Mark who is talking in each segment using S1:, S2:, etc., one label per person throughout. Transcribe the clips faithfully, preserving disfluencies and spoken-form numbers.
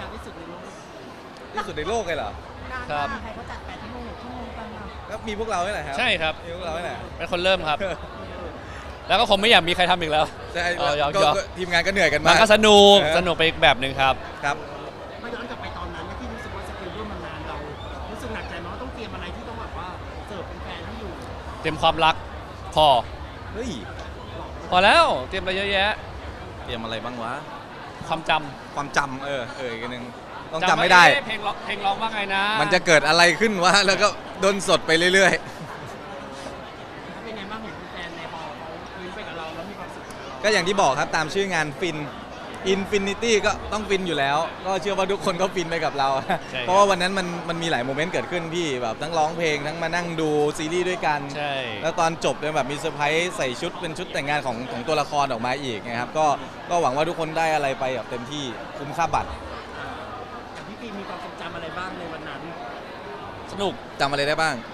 S1: ยาวที่สุดในโลก
S2: ที่สุดในโลกเลยเหรอ
S3: ครับ
S1: ใครเขาจัดแปดชั่วโมงหกชั่วโมงกันมา
S2: ก็มีพวกเรานี่แหละครับ
S3: ใช่ครับ
S2: มีพวกเรานี่แหละ
S3: เป็นคนเริ่มครับ แล้วก็คงไม่อยากมีใครทำอีกแล้ว
S2: ใช่
S3: เอายอม
S2: ก็
S3: ยอม
S2: ก็ทีมงานก็เหนื่อยกัน
S3: มั
S2: มาน ก
S3: ก็สนุก
S2: เออ
S3: สนุกไปอีกแบบหนึ่งครับ
S2: ครับ
S1: มาย้อนกลับไปตอนนั้นที่รู้สึกว่าสเกลเรื่องมันนานเรารู้สึกหนักใจไหมว่าต้องเตรียมอะไรที่ต้องแบบว่าเสิร์ฟเป็นแฟนที่อยู่
S3: เตรียมความรักพอ
S2: เฮ้ย
S3: พอแล้วเตรียมอะไรเยอะแยะ
S2: เตรียมอะไรบ้างวะ
S3: ความจ
S2: ความจำเออเอออีกอันหนึง
S3: ำ
S2: ต้องจำไม่ได้
S3: เอ๊ะเพลงร้องเพลงร้องว่าไงนะ
S2: มันจะเกิดอะไรขึ้นวะแล้วก็ดนสดไปเรื่อย
S1: เป็นไงบ้างเห็นแฟนในฮอลเขายิ้มไปกับเราแล้วมีความสุขกับเรา
S2: ๆ ก็อย่างที่บอกครับตามชื่องานฟิน Infinity ก็ต้องฟินอยู่แล้ว ก็เชื่อว่าทุกคนก็ฟินไปกับเรา
S3: ใช่
S2: เพราะว่าวันนั้นมันมันมีหลายโมเมนต์เกิดขึ้นพี่แบบทั้งร้องเพลงทั้งมานั่งดูซีรีส์ด้วยกัน
S3: ใช่
S2: แล้วตอนจบเนี่ยแบบมีเซอร์ไพรส์ใส่ชุดเป็นชุดแต่งงานของของตัวละครออกมาอีกนะครับก็ก็หวังว่าทุกคนได้อะไรไปแบบเต็มที่คุ้มค่าบัตร
S1: แต่พี่ปีมีความทรงจำอะไรบ้างในวันนั้น
S3: สนุก
S2: จำอะไรได้บ้าง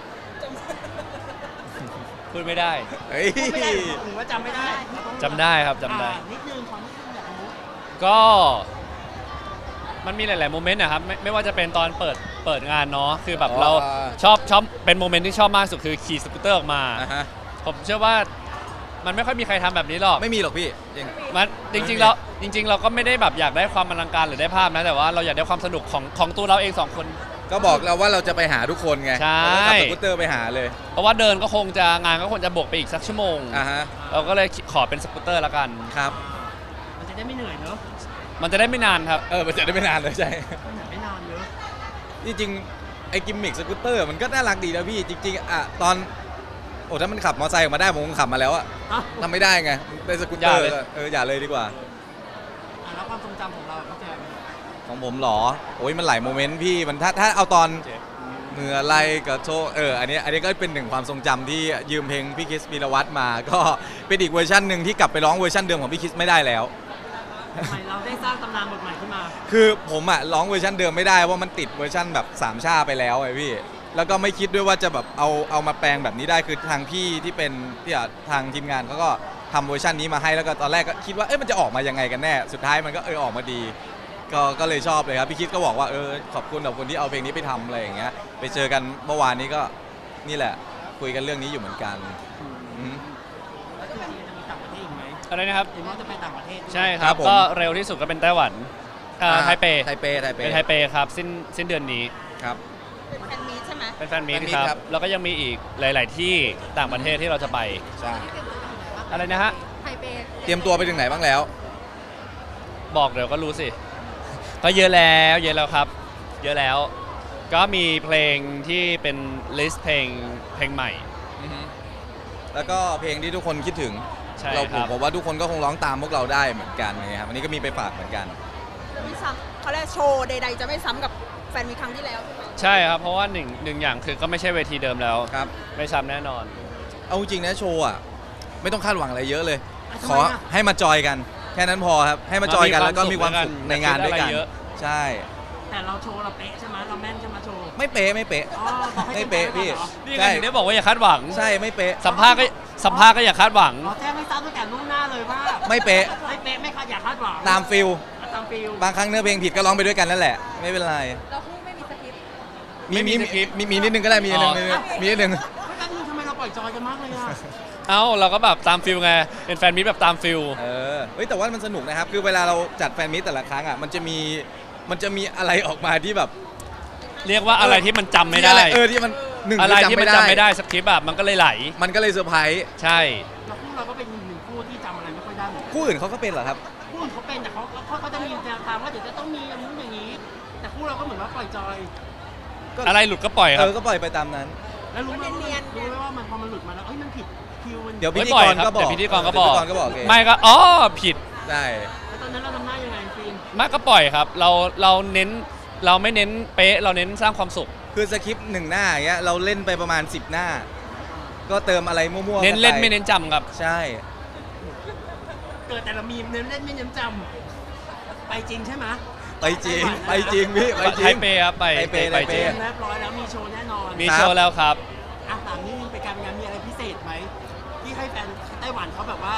S3: พูดไม่ได้
S2: เฮ้ย
S1: พูดไม่ได้หรือว่าจำไม่ได้
S3: จำได้ครับจำได้
S1: อ่านิดนึงความนิดนึงอยากรู้
S3: ก็มันมีหลาย ๆ โมเมนต์นะครับไม่ไม่ว่าจะเป็นตอนเปิดเปิดงานเนาะคือแบบ
S2: อ๋อ
S3: เราชอบชอบเป็นโมเมนต์ที่ชอบมากสุดคือขี่สกูตเตอร์ออกมา
S2: อ่าฮะ
S3: ผมเชื่อว่ามันไม่ค่อยมีใครทำแบบนี้หรอก
S2: ไม่มีหรอกพี่จริง
S3: มันจริงๆเราจริง ๆ เราก็ไม่ได้แบบอยากได้ความอลังการหรือได้ภาพนะแต่ว่าเราอยากได้ความสนุกของของตัวเราเองสองคน
S2: ก็บอกเราว่าเราจะไปหาทุกคนไง
S3: ใช่
S2: เราก็ขับสกูตเตอร์ไปหาเลย
S3: เพราะว่าเดินก็คงจะงานก็คงจะบวกไปอีกสักชั่วโมง
S2: อ่าฮะ
S3: เราก็เลยขอเป็นสกูตเตอร์ละกัน
S2: ครับ
S1: มันจะได้ไม่เหนื่อยเนอะ
S3: มันจะได้ไม่นานครับ
S2: เออมันจะได้ไม่นานเลยใช่
S1: มันเหนื่อยไม่นานเนอะ
S2: จริงๆไอ้กิมมิกสกูตเตอร์มันก็น่ารักดีนะพี่จริงๆอ่ะตอนโอ้ถ้ามันขับมอเตอร์ไซค์ออกมาได้ผมคงขับมาแล้วอะ
S1: อ่ะ
S2: ทำไม่ได้ไงเป็นสกูตเตอร์
S3: อย่าเลย
S2: ก็เอออย่าเลยดีกว่า
S1: อ่ะแล้วความทรงจำของเราพี่แจม
S2: ของผมเหรอโอ้ยมันหลายโมเมนต์พี่มันถ้าถ้าเอาตอนเมื่อไรกับโชเอออันนี้อันนี้ก็เป็นหนึ่งความทรงจำที่ยืมเพลงพี่คริสปีรวัตรมา ก็เป็นอีกเวอร์ชันหนึ่งที่กลับไปร้องเวอร์ชันเดิมของพี่คริสไม่ได้แล้ว
S1: ทำไมเราได้สร้างตำนานบทใหม่ขึ้นมา
S2: คือผมอะร้องเวอร์ชันเดิมไม่ได้ว่ามันติดเวอร์ชันแบบสามชาไปแล้วไอ้พี่แล้วก็ไม่คิดด้วยว่าจะแบบเอาเอามาแปลงแบบนี้ได้คือทางพี่ที่เป็นที่อ่ะทางทีมงานเขาก็ทำเวอร์ชันนี้มาให้แล้วก็ตอนแรกก็คิดว่าเอ๊ะมันจะออกมายังไงกันแน่สุดท้ายมันก็เออออกมาดี ก็ก็เลยชอบเลยครับพี่คิดก็บอกว่าเออขอบคุณขอบคุณที่เอาเพลงนี้ไปทำอะไรอย่างเงี้ยไปเจอกันเมื่อวานนี้ก็นี่แหละคุยกันเรื่องนี้อยู่เหมือนกันอืม
S1: แล้วจริงๆจะมีต่างประเทศอีกไหม
S3: อะไรนะครับ
S1: เห็นว่าจะไปต่างประเทศด้วย
S3: ใช่ค
S2: ครั
S3: รับบ
S2: ผม
S3: ก็เร็วที่สุดก็เป็นไต้หวันเอ่อไทเป
S2: ไทเปไทเป
S3: เป็นไทเปครับสิ้นสิ้นเดือนนี้
S2: ครับ
S4: เป็นแฟนมีตใช่ไหม
S3: เป็นแฟนมีต
S2: แฟนมีต
S3: ค
S2: ครั
S3: รับ บแล้วก็ยังมีอีกหลาย ๆ ที่ต่างประเทศที่เราจะไป
S2: ใช่
S3: อะไรนะฮะ
S4: ไทเป
S2: เตรียมตัวไปถึงไหนบ้างแล้ว
S3: บอกเดี๋ยวก็รู้สิ ก็เยอะแล้วเยอะแล้วครับ เยอะแล้ว ก็มีเพลงที่เป็นลิสต์เพลงเพลงใหม่
S2: แล้วก็เพลงที่ทุกคนคิดถึง
S3: ใช่
S2: เรา
S3: ครับ
S2: ผมว่าทุกคนก็คงร้องตามพวกเราได้เหมือนกันนะครับวันนี้ก็มีไปฝากเหมือนกัน
S4: ไม่ซ้ำเขาเรียกโชว์ใดๆ จะไม่ซ้ำกับแฟนมีครั้งที่แล้วใช่ไหม
S3: ใช่ครับ เพราะว่าหนึ่งหนึ่งอย่างคือก็ไม่ใช่เวทีเดิมแล้ว
S2: ครับ
S3: ไม่ซ้ำแน่นอน
S2: เอาจริงนะโชว์อ่ะไม่ต้องคาดหวังอะไรเยอะเลย
S1: อ่ะ
S2: ขอ
S1: ทำไมอ่ะ
S2: ให้มาจอยกัน แค่นั้นพอครับให้มาจอยกัน
S3: มามี
S2: แล้วก็มีความ
S3: ความสุ
S2: สุ
S3: ข
S2: ข
S3: ด้วยกัน
S2: ในงานด้วยกัน
S3: อย่าคิดอะไรเยอะ
S2: ใช่
S1: แต่เราโชว์เราเป๊ะใช่ไหมเราแม่นใช่ไหมโชว์
S2: ไม่เป๊ะไม่เป๊ะ
S1: อ๋อบอกให้
S2: ไม่เป๊ะ
S1: ต็
S2: พี่
S1: ที่เหรอ
S3: นี่ไง
S2: ใช่
S3: ถึงได้บอกว่าอย่าคาดหวัง
S2: ใช่ไม่เป๊ะ
S3: สัมภาษณ์ก็สัมภาษณ์ก็อย่าคาดหวัง
S1: อ๋อแจ้งให้ทราบตั้งแต่ล่วงหน้าเลยว่า
S2: ไม่เป๊ะ
S1: ไม่เป๊ะไม่คาดอยากคาดหวัง
S2: ตามฟิล
S1: ตามฟิล
S2: บางครั้งเนื้อเพลงผิดก็ร้องไปด้วยกันนั่นแหละ ไม่เป็นไร
S4: เราคู่ไม่มีสคริปต์
S2: มี
S3: ไม่มี
S2: มี
S3: สคริปต์
S2: มีมีนิดนึงก็ได้มีนิดนึง
S3: อ๋อ
S2: มีนิดนึง
S1: ไม่กันนึงทำไมเราปล่อยจอยกันมากเลยอ่ะ
S3: เอ้าเราก็แบบตามฟิลไงเป็นแฟนมิตรแบบตามฟิล
S2: เออเฮ้ยแต่ว่ามันสนุกนะครับ คือเวลาเราจัดแฟนมิตแต่ละครั้งอ่ะมันจะมีมันจะมีอะไรออกมาที่แบบ
S3: เรียกว่าอะไรที่มันจำไม่ได้
S2: ที่อะเออที่มันหนึ่ง
S3: อะไร
S2: คือ
S3: ที่มันจำไม่ได้สคริปต์แบบมันก็เลยไหล
S2: มันก็เลยเซอร์ไพรส์
S3: ใช่
S1: แล้วคู่เราก็เป็นหนึ่งคู่ที่จำอะไรไม่ค่อยได้เหมือนกัน
S2: คู่อื่นเขาก็เป็นเหรอครับ
S1: คู่อื่นเขาเป็นแต่เขาเขาเขาจะมีแนวทางว่าเดี๋ยวจะต้องมีอย่างนู้นอย่างนี้ แต่คู่เราก็เหมือนว่าปล่อยจอย
S2: ก็
S3: อะไรหลุดก็ปล่อยค
S2: เอ
S3: รับ
S2: อก็ปล่อยไปตามนั้น
S1: แล้วรู้ไหมว่ามันรู้ไหมว่ามันพอมันหลุดมาแล้วเอ้ยมันผิดคิวมัน
S2: เดี๋ยวพิ
S3: ไม่
S2: ธี
S3: ปล่
S2: ก
S3: อย
S2: ร
S3: ครับ
S2: ก็บอก
S3: เดี๋ยวพิธีกรก็บอก
S2: พิธีกรก็บอกเอง
S3: ไม่ก็อ๋อผิด
S2: ใช่
S1: แล้วตอนนั้นเราทำหน้ายังไงฟิล์ม
S3: ไม่ก็ปล่อยครับ เราเราเน้นเราไม่เน้นเป๊ะเราเน้นสร้างความสุข
S2: คือสคริปต์หนึ่งหน้าอย่างเงี้ยเราเล่นไปประมาณสิบหน้า ก็เติมอะไรมั่วๆ
S3: เน้นเล่น
S2: กัป
S3: ไม่เน้นจำครับ
S2: ใช่
S1: เกิดแต่ละมีมเน้นเล่นไม่เน้นจำไปจริงใช่ไหม
S2: ไปจริงไปจริงพี่ไปจริ
S3: ไท
S2: ง
S3: เปครับไป
S2: ไทเป
S3: ไป
S2: ไทเป
S3: จริง
S1: เรียบร้อยแล้วมีโชว์แน่นอน
S3: มีโชว์แล้วครับ
S1: อ่ะถามนี่ไปการงานมีอะไรพิเศษไหมที่ให้แฟนไต้หวันเขาแบบว่า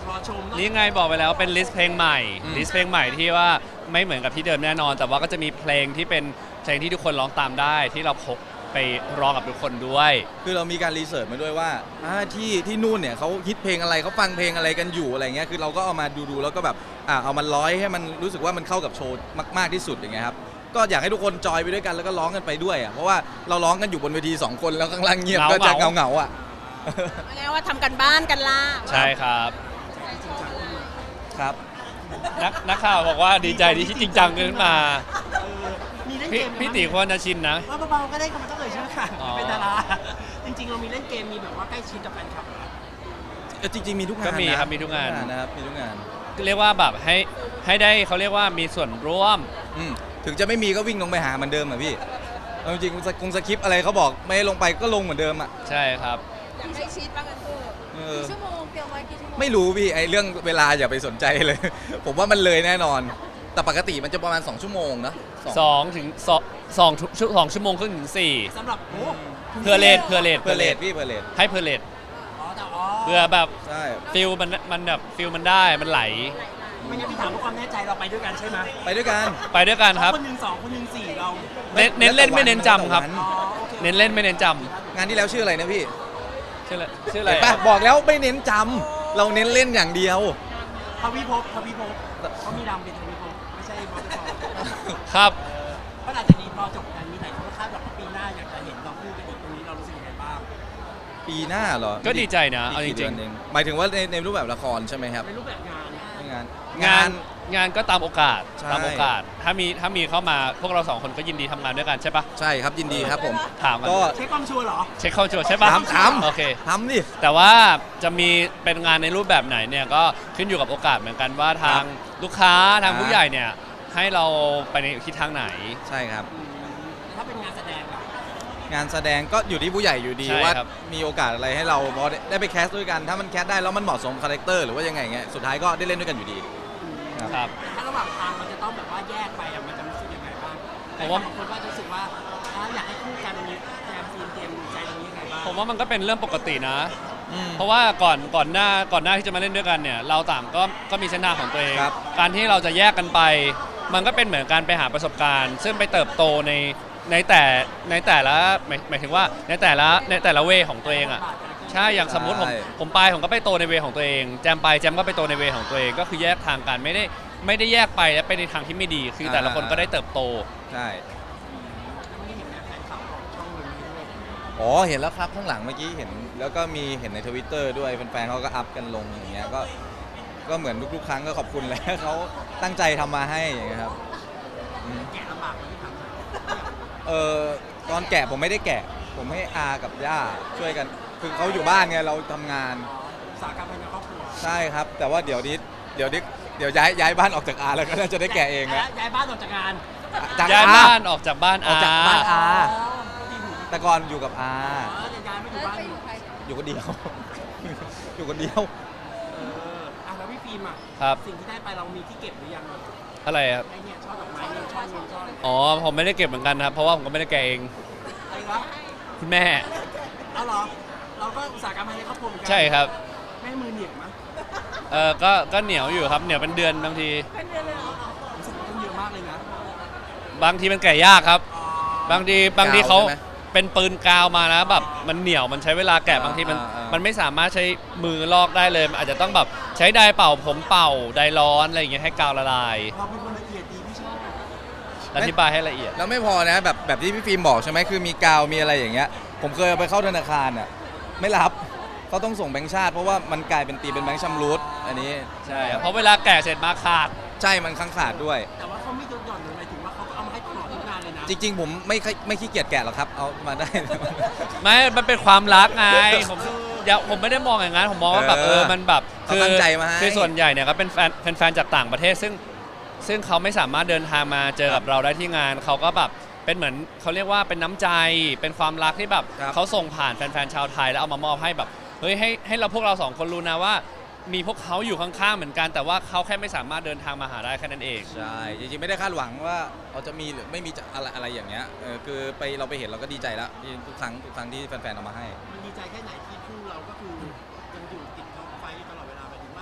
S1: รอชม
S3: นี่ไงบอกไปแล้วเป็นลิสต์เพลงใหม่
S2: อืม
S3: ลิสต์เพลงใหม่ที่ว่าไม่เหมือนกับที่เดิมแน่นอน แต่ว่าก็จะมีเพลงที่เป็นเพลงที่ทุกคนร้องตามได้ที่เราพกไปร้องกับทุกคนด้วย
S2: คือเรามีการรีเสิร์ชมาด้วยว่าอ่าที่ที่นู่นเนี่ยเขาฮิตเพลงอะไรเขาฟังเพลงอะไรกันอยู่อะไรเงี้ยคือเราก็เอามาดูๆแล้วก็แบบอ่าเอามันร้อยให้มันรู้สึกว่ามันเข้ากับโชว์มากๆที่สุดอย่างเงี้ยครับก็อยากให้ทุกคนจอยไปด้วยกันแล้วก็ร้องกันไปด้วยอ่ะเพราะว่าเราร้องกันอยู่บนเวทีสองคนแล้วข้างล่างเงียบ
S3: เหงา
S2: ก็จะ
S3: เหงา
S2: เงาๆอ่ะ
S4: ไงว่าทำกันบ้านกันล่ะ
S3: ใช่ครับ
S2: ครับ
S3: นักนักข่าวบอกว่าดีใจที่จริงจังขึ้นมา
S1: เออมีเล่น
S3: พี่
S1: เกมไหม
S3: พี่ตีควรจะชินนะ
S1: ว่าเบาๆก็ได้ก็มันต้องเอ่ยชื่อค่ะ
S3: อ๋อ
S1: เป็นดารา จริงๆเรามีเล่นเกมมีแบบว่าใกล้ชิดกับแฟนคลับเหรอ
S2: เออจริงๆมีทุกงาน
S3: ก็มี
S2: นะครับ
S3: มีทุกงาน
S2: นะครับมีทุกงาน
S3: เรียกว่าแบบให้ให้ได้เขาเรียกว่ามีส่วนร่วม
S2: อืมถึงจะไม่มีก็วิ่งลงไปหาเหมือนเดิมอ่ะพี่เอาจริงๆสกงสคริปต์อะไรเขาบอกไม่ให้ลงไปก็ลงเหมือนเดิมอ่ะ
S3: ใช่ครับ
S4: อยากให้ชิดบ้างกันเถอะ
S2: เออ
S4: กี่ชั่วโมงเตรียมไว้กี่ชั่วโมง
S2: ไม่รู้พี่ไอเรื่องเวลาอย่าไปสนใจเลย ผมว่ามันเลยแน่นอน แต่ปกติมันจะประมาณสองชั่วโมงนะสอง
S3: สองถึงสองสองชั่วสองชั่วโมงครึ่งถึงสี่
S1: สำหรับโอ้
S3: เพื่อเลทเพื่อเลท
S2: เพื่อเลทพี่เพื่อเลท
S3: ให้เพื่อเลท
S1: อ๋อแต่อ๋อ
S3: เพื่อแบบ
S2: ใช่
S3: ฟิลมันมันแบบฟิลมันได้มันไหล
S1: ไม่งั้นพี่ถามเพื่อความแน่ใจเราไปด้วยกันใช่ไหม
S2: ไปด้วยกัน
S3: ไปด้วยกันครับ
S1: คนหนึ่งสองคนหนึ่งสี่เรา
S3: เน้นเน้นเล่นไม่เน้นจำครับ
S2: แล้วแต่วัน
S1: อ๋อโอเค
S3: เน้นเล่นไม่เน้นจ
S2: งานที่แล้วชื่ออะไรนะพี่
S3: ำชื่ออะไรชื่ออะไร
S2: เห็นปะบอกแล้วไม่เน้นจำเราเน้นเล่นอย่างเดียว
S1: ทวีภพทวีภพเขามีดำเป็นทวีภพไม่ใช่บอสบอล
S3: ครับ
S1: เพราะหลังจากนี้พอจบงานมีไหนเขาคาดหวังว่าปีหน้าอยากจะเห็นเราคู่กันอีกตรงนี้เรารู้สึกยังไงบ้าง
S2: ปีหน้าเหรอ
S3: ก็ดีใจนะ
S2: อีก
S3: เอาจ
S2: กี่
S3: ริ
S2: เดื
S3: ง
S2: อนเองหมายถึงว่าในในรูปแบบละครใช่ไหมครับ
S1: ในรูปแบบงาน
S2: งาน
S3: ๆงานงานก็ตามโอกาส
S2: ใช่
S3: ตามโอกาส ถ้ามีถ้ามีเข้ามาพวกเราสองคนก็ยินดีทำงานด้วยกันใช่ปะ
S2: ใช่ครับยินดีครับผม
S3: ถามกัน
S2: ก็
S1: เช็คความชัวร์เหรอ
S3: เช็คเข้าชัวร์ใช่ปะ
S2: ถามถาม
S3: โอเค
S2: ทำดิ
S3: แต่ว่าจะมีเป็นงานในรูปแบบไหนเนี่ยก็ขึ้นอยู่กับโอกาสเหมือนกันว่าทางลูกค้าทางผู้ใหญ่เนี่ยให้เราไปในทิศทางไหน
S2: ใช่ครับ
S1: อืมถ้าเป็นงานแสดงล่ะ
S2: งานแสดงก็อยู่ที่ผู้ใหญ่อยู่ดี
S3: ใช่
S2: ว่า
S3: ครับ
S2: มีโอกาสอะไรให้เราพอได้ได้ไปแคสด้วยกัน ถ้ามันแคสได้แล้วมันเหมาะสมคาแรคเตอร์หรือว่ายังไงเงี้ยสุดท้ายก็ได้เล่นด้วยกันอยู่ดี ครับ
S3: ครับ
S1: ถ้าระหว่างทางมันจะต้องแบบว่าแยกไปอะมันจะรู้สึกยังไงบ้าง
S3: ผมว่า
S1: บางคนก็จะรู้สึกว่าอ่าอยากให้คู่กันมีแจมซีนเตรียมใจตรงนี้ยังไงบ้าง
S3: ผมว่ามันก็เป็นเรื่องปกตินะ
S2: อืม
S3: เพราะว่าก่อนก่อนหน้าก่อนหน้าที่จะมาเล่นด้วยกันเนี่ยเราต่างก็ก็มีเส้นทางของตัวเอง
S2: ครับ
S3: การที่เราจะแยกกันไป มันก็เป็นเหมือนการไปหาประสบการณ์ ซึ่งไปเติบโตในในแต่ในแต่ละหมายหมายถึงว่าในแต่ละในแต่ละเวของตัวเองอ่ะใช่อย่างสมมุติผม
S2: ใช่
S3: ผมไปผมก็ไปโตในเวของตัวเองแจมไปแจมก็ไปโตในเวของตัวเองก็คือแยกทางกันไม่ได้ไม่ได้แยกไปและไปในทางที่ไม่ดี คือแต่ละคนก็ได้เติบโต
S2: ใช่
S1: ไม่ได้เห็นแฟนคลับของช่องนี้ด้วย
S2: อ๋อเห็นแล้วครับข้างหลังเมื่อกี้เห็น แล้วก็มีเห็นในทวิตเตอร์ด้วยแฟนๆเขาก็อัพกันลงอย่างเงี้ยก็ก็เหมือนทุกๆครั้งก็ขอบคุณแหล้ว เขาตั้งใจทำมาให้อย่างเงี้ยครับอืม
S1: แกะลำบากไหมพี่ถามหน่อย
S2: เออตอนแกะผมไม่ได้แกะ ผมให้อากับย่าช่วยกัน คือเขาอยู่บ้านไงเราทำงาน
S1: อุตสาหกรรมภายในครอบครัว
S2: ใช่ครับ แต่ว่าเดี๋ยวนี้เดี๋ยวนี้เดี๋ยวย้ายย้ายบ้านออกจากอาแล้วก็น่าจะได้แกะเองนะ
S1: ย้ายบ้านออกจากงาน
S2: จาก
S3: ย้าย
S2: อา
S3: บ้านออกจากบ้าน
S2: ออกจากบ้านอา
S1: อ๋อที่หู
S2: แต่ก่อนอยู่กับอา
S1: อ๋อจะย้ายไม่อยู่บ้านอยู่
S2: อยู่คนเดียว อยู่คนเดียว
S1: เอออ่ะแล้วพี่ฟิล์มอ่ะ
S3: ครับ
S1: สิ่งที่ได้ไปเรามีที่เก็บหรือยัง
S3: อะไรครับ
S1: ไอเนี่ยช่อดอกไม้เนี่ยช่อเงินช่ออะไร
S3: อ๋อผมไม่ได้เก็บเหมือนกันนะครับเพราะว่าผมก็ไม่ได้แกะเอง
S1: วะ
S3: คุณแม่
S1: เอาเหรอ เราก็อุตสาหกรรมภายในครอบครัวเหมือนกั
S3: ใช่ครับ
S1: แม่มือเหนียวมั้ย
S3: เออก็ก็เหนียวอยู่ครับเหนียวเป็นเดือนบางที
S1: รู้สึกว่าต้องเยอะมากเลยนะ
S3: บางทีมันแกะยากครับ
S1: อ๋อบ
S3: างทีบางทีเขา
S2: ใช่ไหม
S3: เป็นปืนกาวมานะแบบมันเหนียวมันใช้เวลาแกะบางทีมัน
S2: อ่าอ่ามั
S3: มันไม่สามารถใช้มือลอกได้เลยมันอาจจะต้องแบบใช้ไดร์เป่าผมเป่าไดร์ร้อนอะไรอย่างเงี้ยให้กาวละลาย
S1: เราเป็นคนละเอียดดีพี่ชอบ
S3: อธิบายให้ละเอียด
S2: แล้วไม่พอนะแบบแบบที่พี่ฟิล์มบอกใช่ไหมคือมีกาวมีอะไรอย่างเงี้ยผมเคยเอาไปเข้าธนาคารอ่ะไม่รับเขาต้องส่งแบงค์ชาติเพราะว่ามันกลายเป็นตีเป็นแบงค์ชำรุดอันนี้
S3: ใช่ครับเพราะเวลาแกะเสร็จมาขาด
S2: ใช่มันค้างขาดด้วย
S1: แต่ว่าเขาไม่ลดหย่อนเลยหมายถึงว่าเขาก็เอามาให้ตลอดทุกงานเลยนะ
S2: จริง ๆ ผมไม่ค่อยไม่ขี้เกียจแกะหรอกครับเอามาได้
S3: ไม่ มันเป็นความรักไง ผมอย่าผมไม่ได้มองอย่างนั้น ผมมองว่าแบบ
S2: เอ
S3: เอ
S2: อ
S3: อ มันแบบ
S2: เขาตั้งใจมาให้
S3: คือส่วนใหญ่เนี่ยก็เป็นแฟนแฟนๆจากต่างประเทศ ซึ่งซึ่งเขาไม่สามารถเดินทางมาเจอกับเราได้ที่งาน เขาก็แบบเป็นเหมือนเขาเรียกว่าเป็นน้ำใจ เป็นความรักที่แบบ
S2: ครับ
S3: เขาส่งผ่านแฟนๆชาวไทยแล้วเอามามอบให้แบบ เฮ้ยให้ให้เราพวกเราสองคนรู้นะว่า มีพวกเขาอยู่ข้างๆเหมือนกัน แต่ว่าเขาแค่ไม่สามารถเดินทางมาหาได้แค่นั้นเอง
S2: ใช่จริงๆไม่ได้คาดหวังว่าเราจะมีหรือไม่มีจะอะไรอะไรอย่างเงี้ยเออคือไปเราไปเห็นเราก็ดีใจแล้วที่ทุกครั้งทุกครั้งที่แฟนๆเอามาให้
S1: มันดีใจแค่ไหนที่คู่เราก็คือยังอยู่ติดท็อปไฟว์อยู่ตลอดเวลาหมายถึงว่าแม้จะ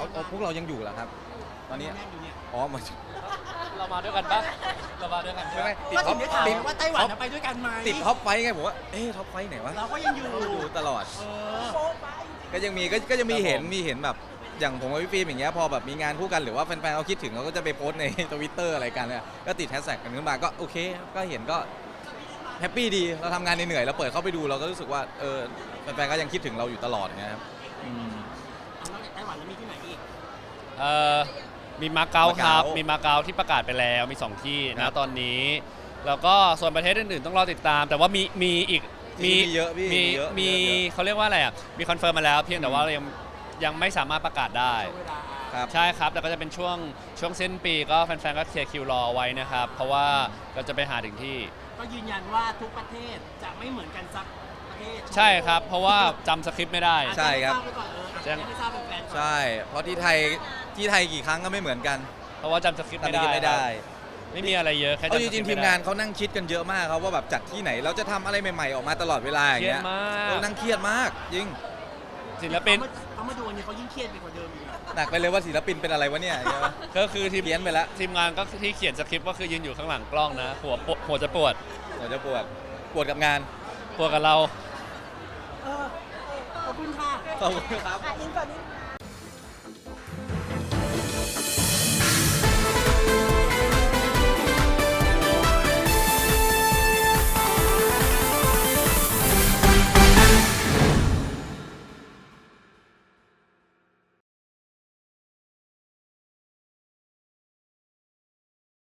S2: เอาเอาพวกเรายังอยู่เหรอครับ ตอนนี้
S1: แน่นอยู่เนี่ย
S2: อ๋อมา
S3: เรามาด้วยกันปะเรามาด้วยกัน
S2: ไม่ไม่
S1: ก็
S2: ติด
S1: ถึ
S2: ท็อง ป
S1: ได้ถาม
S2: ติด
S1: ว่าไต้หวันจะไปด้วยกันไหม
S2: ติดท็อปไฟท์ไงผมว่าเอ๊ะท็อปไฟท์ไหนวะ
S1: เราก็ยังอยู่
S2: ดูตลอด
S1: เออ
S2: ก็ยังมีก็ก็จะมีเห็นมีเห็นแบบอย่างผมกับพี่ฟิล์มอย่างเงี้ยพอแบบมีงานคู่กันหรือว่าแฟนๆเขาคิดถึงเขาก็จะไปโพสต์ใน ทวิตเตอร์อะไรกันเนี่ยก็ติดแฮชแท็กกันขึ้นมาก็โอเคก็เห็นก็แฮปปี้ดีเราทำงานเหนื่อยๆเราเปิดเข้าไปดูเราก็รู้สึกว่าเออแฟนๆก็ยังคิดถึงเราอยู่ตลอดอย่างเงี้ยครับอืม
S1: เอานอกจากไต้หวันแล้วมีที่ไหนอีก
S3: เอ่อมีมาเก๊าครับ
S2: มาเก๊ามี
S3: มีมาเก๊าที่ประกาศไปแล้วมีสองที่
S2: ครั
S3: นะ
S2: บ
S3: ตอนนี้ แล้วก็ส่วนประเทศอื่นๆต้องรอติดตาม แต่ว่ามีมีอีก
S2: มีเยอะพี่
S3: มี
S2: มีเยอะ
S3: มี
S2: เยอะเยอะ
S3: เขาเรียกว่าอะไรอ่ะมีคอนเฟิร์มมาแล้ว เพียงแต่ว่าเรายังยังไม่สามารถประกาศได้
S1: เวลา
S2: ครับ
S3: ใช่ครับแล้วก็จะเป็นช่วงช่วงสิ้นปีก็แฟนๆก็เคลียร์คิวรอไว้นะครับ เพราะว่าเราจะไปหาถึงที่
S1: ก็ยืนยันว่าทุกประเทศจะไม่เหมือนกันสักประเทศ
S3: ใช่ครับ เพราะว่าจำสคริปต์ไม่ได้
S2: ใช่ครับ
S1: ทาบไว้ก่อนเอออาจจะให้ทราบเป็นแฟนก่อน
S2: ใช่เพราะที่ไทยที่ไทยกี่ครั้งก็ไม่เหมือนกัน
S3: เพราะว่าจำสคริปต์
S2: ตอน
S3: ไม่
S2: นี้
S3: ได้
S2: ไม่ได้
S3: ครับไม่มีอะไรเยอะแค่
S2: เอา
S3: จำ
S2: จ
S3: สค
S2: ริ
S3: ริ
S2: ง
S3: ปต์
S2: ๆทีม
S3: ไม่ได้
S2: งานเขานั่งคิดกันเยอะมากครับว่าแบบจัดที่ไหนเราจะทำอะไรใหม่ๆออกมาตลอดเวลาอย่างเงี้ย
S3: เครียดมาก
S2: เออนั่งเครียดมากจริง
S3: ศิลปิน
S1: เขามาเขามาดูอันนี้เขายิ่งเครียดไปกว่าเดิมอีกอะ
S2: หนักไปเลยว่าศิลปินเป็นอะไรวะเนี่ยอย่างเงี้ย
S3: ก็คือทีม
S2: เพี้ยนไปแล้ว
S3: ทีมงานก็ที่เขียนสคริปต์ก็คือยืนอยู่ข้างหลังกล้องนะ หัวปวดหัวจะปวด
S2: หัวจะปวดปวดกับงาน
S3: ปวดกับเรา
S1: เออขอบคุณค่ะ
S2: ขอบคุณครับ
S4: อ่ะอินเสิร์ตนี้